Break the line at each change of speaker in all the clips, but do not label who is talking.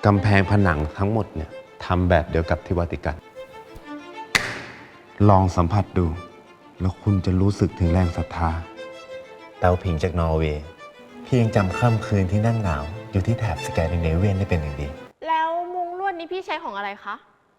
กำแพงผนังทั้งหมดเนี่ยทำแบบเดียวกับที่วาติกัน ลองสัมผัสดู แล้วคุณจะรู้สึกถึงแรงศรัทธา
เตาผิงจากนอร์เวย์พี่ยังจำค่ำคืนที่นั่งหนาวอยู่ที่แถบสแกนดิเนเวียนได้เป็นอย่างดี
แล้วมุ้งลวดนี้พี่ใช้ของอะไรคะ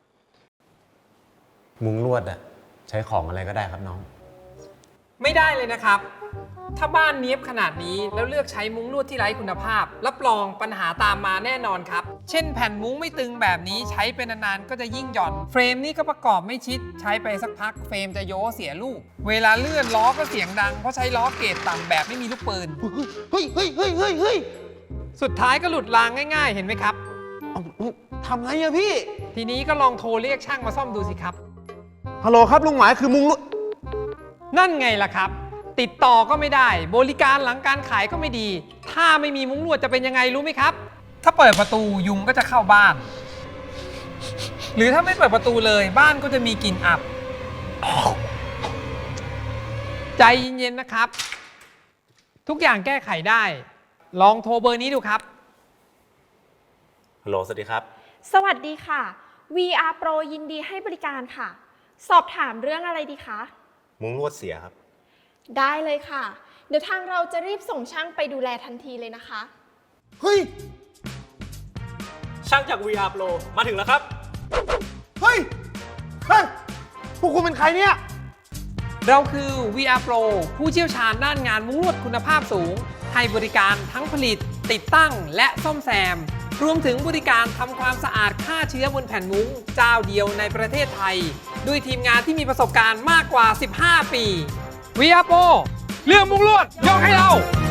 มุ้งลวดอะใช้ของอะไรก็ได้ครับน้อง
ไม่ได้เลยนะครับ ถ้าบ้านเนี้ยบขนาดนี้แล้วเลือกใช้มุ้งลวดที่ไร้คุณภาพ รับรองปัญหาตามมาแน่นอนครับ เช่นแผ่นมุ้งไม่ตึงแบบนี้ใช้ไปนานๆก็จะยิ่งหย่อน เฟรมนี่ก็ประกอบไม่ชิด ใช้ไปสักพักเฟรมจะโยเสียลูก เวลาเลื่อนล้อก็เสียงดังเพราะใช้ล้อเกรดต่ำแบบไม่มีลูกปืน
เฮ้ยเฮ้ยเฮ้ยเฮ้ยเฮ้ย
สุดท้ายก็หลุดรางง่ายๆ เห็นไหมครับ
ทำไงอะพี่
ทีนี้ก็ลองโทรเรียกช่างมาซ่อมดูสิครับ
ฮัลโหลครับลุงหมายคือมุงลวด
นั่นไงล่ะครับ ติดต่อก็ไม่ได้ บริการหลังการขายก็ไม่ดี ถ้าไม่มีมุ้งลวดจะเป็นยังไงรู้ไหมครับ ถ้าเปิดประตูยุงก็จะเข้าบ้าน หรือถ้าไม่เปิดประตูเลยบ้านก็จะมีกลิ่นอับ ใจเย็นๆนะครับ ทุกอย่างแก้ไขได้ ลองโทรเบอร์นี้ดูครับ
ฮัลโหลสวัสดีครับ
สวัสดีค่ะ VR Pro ยินดีให้บริการค่ะ สอบถามเรื่องอะไรดีคะ
มุ้งลวดเสียครับ
ได้เลยค่ะ เดี๋ยวทางเราจะรีบส่งช่างไปดูแลทันทีเลยนะคะ
เฮ้ย
ช่างจาก VR Pro มาถึงแล้วครับ
เฮ้ย เฮ้ย พวกคุณเป็นใครเนี่ย
เราคือ VR Pro ผู้เชี่ยวชาญด้านงานมุ้งลวดคุณภาพสูง ให้บริการทั้งผลิต ติดตั้งและซ่อมแซม รวมถึงบริการทำความสะอาดฆ่าเชื้อบนแผ่นมุ้งเจ้าเดียวในประเทศไทย ด้วยทีมงานที่มีประสบการณ์มากกว่า 15 ปี VR Pro เรื่องมุ้งลวดยกให้เรา